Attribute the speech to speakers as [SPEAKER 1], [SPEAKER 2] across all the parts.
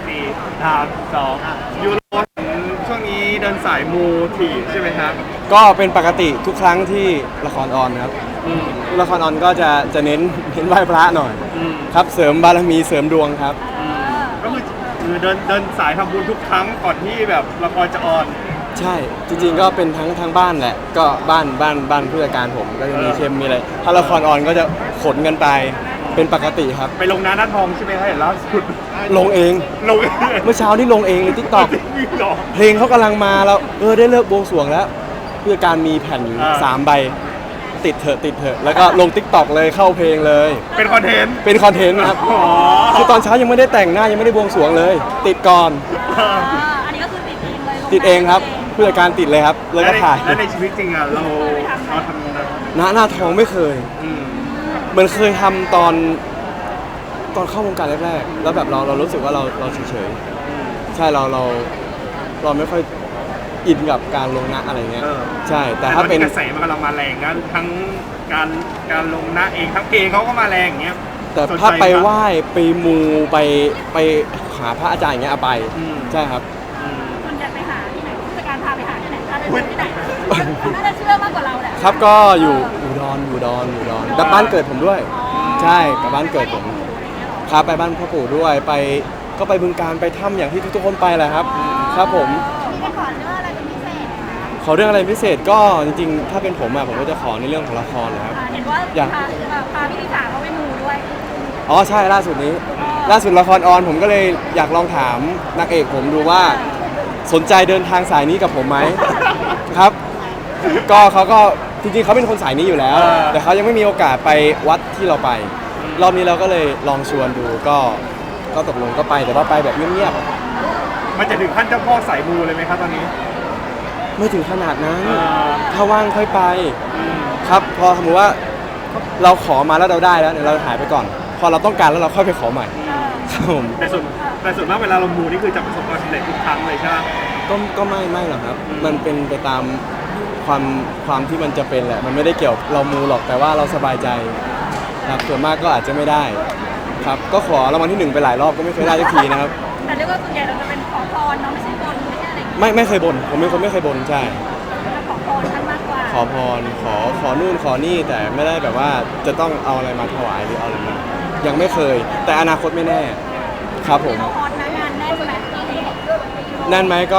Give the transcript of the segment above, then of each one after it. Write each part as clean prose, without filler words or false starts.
[SPEAKER 1] 4 3 2ยูโรช่วงนี้เดินสายมูถี่ใช่ไหมครับ
[SPEAKER 2] ก็เป็นปกติทุกครั้งที่ละครออนครับละครออนก็จะเน้นไหว้พระหน่อยครับเสริมบารมีเสริมดวงครับ
[SPEAKER 1] ก็คือเดินสายทำบุญทุกครั้งก่อนที่แบบละครจะออน
[SPEAKER 2] ใช่จริงๆก็เป็นทั้งบ้านแหละก็บ้านผู้จัดการผมก็จะมีเข้มมีอะไรถ้าละครออนก็จะขนกันไปเป็นปกติครับ
[SPEAKER 1] ไปลงหน้าทองใช่ไหมครับเห็นล่าสุด
[SPEAKER 2] ลงเองเมื่อเช้านี่ลงเองใน TikTok เพลงเขากำลังมาแล้วได้เลิกบวงสรวงแล้วผู้จัดการมีแผ่นอยู่3 ใบติดเถอะแล้วก็ลง TikTok เลยเข้าเพลงเลย
[SPEAKER 1] เป็นคอนเทนต์
[SPEAKER 2] ครับคือตอนเช้ายังไม่ได้แต่งหน้ายังไม่ได้บวงสรวงเลยติดก่อน
[SPEAKER 3] อันนี้ก็คือติดเองเลย
[SPEAKER 2] ติดเองครับผู้จัดการติดเลยครับแล้วก็ถ่าย
[SPEAKER 1] แล้วในชีวิตจริงอ่ะเราทำ
[SPEAKER 2] หน้าทองไม่เคยเหมือนเคยทำตอนเข้าวงการแรกๆแล้วแบบเรารู้สึกว่าเราเฉยๆใช่เราไม่ค่อยอินกับการลงหน้าอะไรเงี้ยใช่แต่ถ้าเป็น
[SPEAKER 1] กระแสมันกำลังมาแรงนะทั้งการลงหน้าเองทั้งเพลงเขาก็มาแรงอย่างเงี้ย
[SPEAKER 2] แต่ถ้าไปไหว้ไปมูไปหาพระอาจารย์อย่างเงี้ยไปใช่ครับ
[SPEAKER 3] คุณอยากไปหาที่ไหนผู้จัดการพาไปหาที่ไหนพาไปที่ไหนน่าจะเชื่อมากกว่าเราแหละ
[SPEAKER 2] ครับก็อยู่ดอนกับบ้านเกิดผมด้วยใช่กับบ้านเกิดผมครับไปบ้านพ่อปู่ด้วยก็ไปบึงการไปถ้ำอย่างที่ทุกคนไปแหละครับครับผม
[SPEAKER 3] มีไปขอเรื่องอะไรเป็นพิเศษ
[SPEAKER 2] ขอเรื่องอะไรพิเศษก็จริงๆถ้าเป็นผมผมก็จะขอในเรื่องของละครนะครับ
[SPEAKER 3] เห็นว่าพาพี่ลิซ่าเขาไปมูด้วย
[SPEAKER 2] อ๋อใช่ล่าสุดละครออนผมก็เลยอยากลองถามนางเอกผมดูว่าสนใจเดินทางสายนี้กับผมไหมครับก็เขาก็จริงๆเขาเป็นคนสายนี้อยู่แล้วแต่เขายังไม่มีโอกาสไปวัดที่เราไปรอบนี้เราก็เลยลองชวนดูก็ตกลงก็ไปแต่ว่าไปแบบเงียบ
[SPEAKER 1] ๆมันจะถึงขั้นเจ้าพ่อสายมูเลยไหมครับตอนนี้
[SPEAKER 2] ไม่ถึงขนาดนั้นถ้าว่างค่อยไปครับพอสมมติว่าเราขอมาแล้วเราได้แล้วเดี๋ยวเราหายไปก่อนพอเราต้องการแล้วเราค่อยไปขอใหม่ครับผม
[SPEAKER 1] แต่ส่วนมากเวลาเรามูนี่คือจะประสบความสำเร็จทุกครั้งเลยใช่ไหม
[SPEAKER 2] ก็ไม่หรอกครับมันเป็นไปตามความที่มันจะเป็นแหละมันไม่ได้เกี่ยวเรามูหรอกแต่ว่าเราสบายใจครับส่วนมากก็อาจจะไม่ได้ครับก็ขอรางวัลที่1ไปหลายรอบก็ไม่เคยได้สักทีนะครับ
[SPEAKER 3] แต่เรียกว่าส่วนใหญ่เราจะเป็นขอพรเนาะไม่ใช่บนไม่ใช่อะไร
[SPEAKER 2] ไม่เคยบ่นผมเป็นคนไม่เคยบ่นใช่
[SPEAKER 3] ขอพรท่านมากกว่า
[SPEAKER 2] ขอพรขอนู่นขอนี่แต่ไม่ได้แบบว่าจะต้องเอาอะไรมาถวายหรือเอาอะไรมายังไม่เคยแต่อนาคตไม่แน่ครับผม
[SPEAKER 3] ขอพรนะงานแน่นไหม
[SPEAKER 2] แน่นไหมก็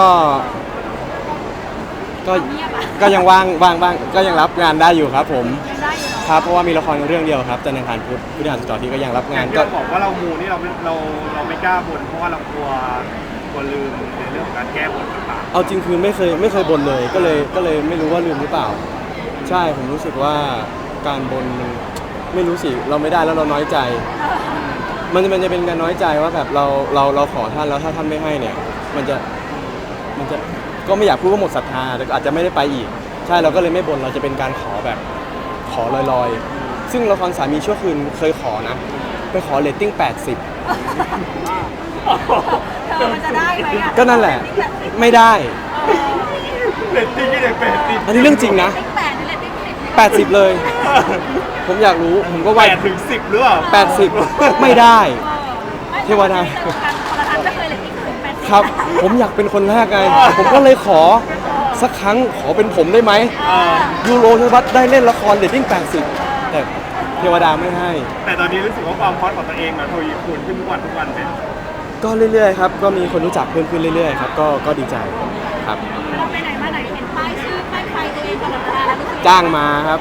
[SPEAKER 2] ยังว่างก็ยังรับงานได้อยู่ครับผมครับเพราะว่ามีละครเรื่องเดียวครับจันทร์อังคารพุธพฤหัสศุกร์ที่ก็ยังรับงาน
[SPEAKER 1] ก็บอกว่าเรามูนี่เราไม่กล้าบ่นเพราะว่าเรากลัวลืมในเรื่องของการแก้บนต่างๆ
[SPEAKER 2] เอาจริงคือไม่เคยบ่นเลยก็เลยไม่รู้ว่าลืมหรือเปล่าใช่ผมรู้สึกว่าการบ่นไม่รู้สิเราไม่ได้แล้วเราน้อยใจมันจะเป็นการน้อยใจว่าแบบเราขอท่านแล้วถ้าท่านไม่ให้เนี่ยมันจะก็ไม่อยากพูดว่าหมดศรัทธาแต่อาจจะไม่ได้ไปอีกใช่เราก็เลยไม่บ่นเราจะเป็นการขอแบบขอลอยๆซึ่งละครสามีชั่วคืนเคยขอนะไปขอเรตติ้ง80
[SPEAKER 3] มันจะได้ไหม
[SPEAKER 2] ก็นั่นแหละไม่ได้
[SPEAKER 1] เรตติ้งที่ไหน80
[SPEAKER 2] อันนี้เรื่องจริงนะ80เลยผมอยากรู้ผมก็
[SPEAKER 1] 8 ถึง 10หรือเปล่า
[SPEAKER 2] 80ไม่ได้เทวดาครับผมอยากเป็นคนแรกไงผมก็เลยขอสักครั้งขอเป็นผมได้ไหมยูโรธวัฒน์ได้เล่นละครเรตติ้ง80แต่เทวดาไม่ให้
[SPEAKER 1] แต่ตอนนี้รู้สึกว่าความฮอตของตัวเองทวีคูณขึ้นทุกวันเนี่ย
[SPEAKER 2] ก็เรื่อยๆครับก็มีคนรู้จักเพิ่มขึ้นเรื่อยๆครับก็ดีใจครับ
[SPEAKER 3] เราไปไหนมาไหนเห็นป้ายชื่อป้ายไฟตัวเองตลอดเวลาแล้วรู้สึก
[SPEAKER 2] จ้างมาครับ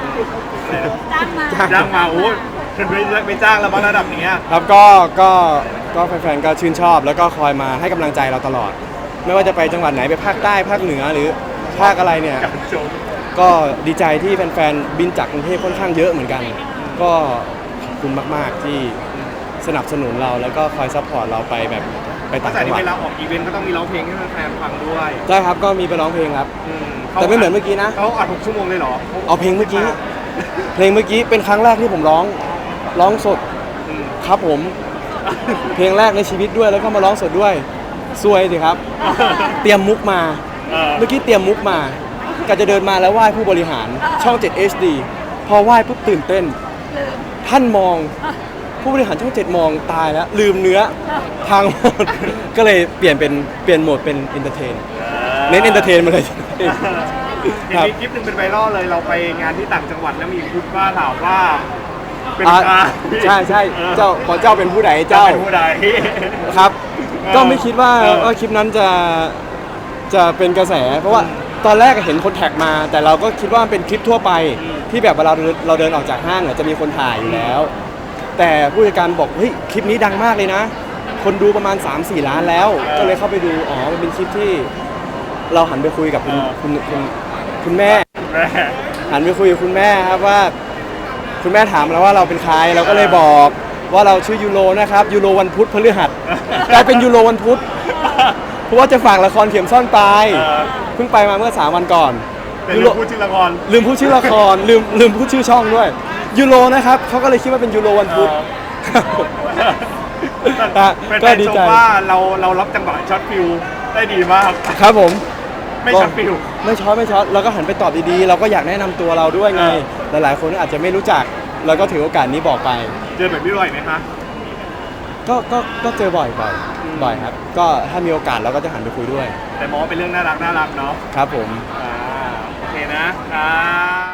[SPEAKER 1] จ้างมาโอ้ไม่จ้างแล้วบางระดับนี้
[SPEAKER 2] ครับก็แฟนๆก็ชื่นชอบแล้วก็คอยมาให้กำลังใจเราตลอดไม่ว่าจะไปจังหวัดไหนไปภาคใต้ภาคเหนือหรือภาคอะไรเนี่ยก็ดีใจที่แฟนๆบินจากกรุงเทพค่อนข้างเยอะเหมือนกันก็ขอบคุณมากๆที่สนับสนุนเราแล้วก็คอยซัพพอร์ตเราไปแบบไปต่างจังหวัด
[SPEAKER 1] เวลาออกอีเวนต์ก็ต้องมีร้องเพลงให้แฟนฟังด้วย
[SPEAKER 2] ใช่ครับก็มีไปร้องเพลงครับแต่ไม่เหมือนเมื่อกี้นะ
[SPEAKER 1] เขาอัด6 ชั่วโมงเลยเหรอ
[SPEAKER 2] เอาเพลงเมื่อกี้เป็นครั้งแรกที่ผมร้องสดครับผมเพลงแรกในชีวิตด้วยแล้วก็มาร้องสดด้วยซวยสิครับเตรียมมุกมาเมื่อกี้เตรียมมุกมาก็จะเดินมาแล้วไหว้ผู้บริหารช่อง7 HD พอไหว้ปุ๊บตื่นเต้นท่านมองผู้บริหารช่อง 7 มองตายแล้วลืมเนื้อทางหมด ก็เลยเปลี่ยนโหมดเป็นเอนเตอร์เทนเน้นเอนเตอร์เทนมาเลย
[SPEAKER 1] เห็นมีคลิปหนึ่งเป็นไวรัลเลยเราไปงานที่ต่างจังหวัดแล้วมีคุณป้าถามว่าเป็นใคร
[SPEAKER 2] ใช่เจ้าขอเจ้าเป็นผู้ใด
[SPEAKER 1] เจ้า
[SPEAKER 2] เจ้า
[SPEAKER 1] เป็นผู้ใด
[SPEAKER 2] ครับ ก็ไม่คิดว่า
[SPEAKER 1] เออ
[SPEAKER 2] ว่าคลิปนั้นจะเป็นกระแส เพราะว่าตอนแรกเห็นคนแท็กมา แต่เราก็คิดว่ามันเป็นคลิปทั่วไปที่แบบเวลาเราเดินออกจากห้างอะจะมีคนถ่ายอยู่แล้ว แต่ผู้จัดการบอกเฮ้ยคลิปนี้ดังมากเลยนะ คนดูประมาณ 3-4 ล้านแล้ว ก็เลยเข้าไปดูอ๋อมันเป็นคลิปที่เราหันไปคุยกับคุณแม่
[SPEAKER 1] แม่
[SPEAKER 2] หันไปคุยกับคุณแม่ครับว่า คุณแม่ถามเราว่าเราเป็นใครเราก็เลยบอกว่าเราชื่อยูโรนะครับยูโรวันพุธพฤหัสกลายเป็นยูโรวันพุธเพราะว่าจะฝากละครเข็มซ่อนปลายเพิ่งไปมาเมื่อ3 วันก่อน
[SPEAKER 1] เป็น
[SPEAKER 2] ยูโร
[SPEAKER 1] ผู้ชื่อละคร
[SPEAKER 2] ลืมพูดชื่อละครลืมพูดชื่อช่องด้วยยูโรนะครับเขาก็เลยคิดว่าเป็นยูโรวันพุธ
[SPEAKER 1] เป็น
[SPEAKER 2] ก็
[SPEAKER 1] แฟน
[SPEAKER 2] ดี
[SPEAKER 1] ช
[SPEAKER 2] ใจ
[SPEAKER 1] มว่าเรารับจังหวะช็อตฟิวได้ดีมาก
[SPEAKER 2] ครับผม
[SPEAKER 1] ไม่ช็อตฟิว
[SPEAKER 2] ไม่ช็อตเราก็หันไปตอบดีๆ เราก็อยากแนะนำตัวเราด้วยไง หลายๆคนอาจจะไม่รู้จักเราก็ถือโอกาสนี้บอกไป
[SPEAKER 1] เจอแบบนี้บ่อยไหมคะ
[SPEAKER 2] ก็เจอบ่อยครับ ก็ถ้ามีโอกาสเราก็จะหันไปคุยด้วย
[SPEAKER 1] แต่มองว่าเป็นเรื่องน่ารักเนาะ
[SPEAKER 2] ครับผม
[SPEAKER 1] โอเคนะ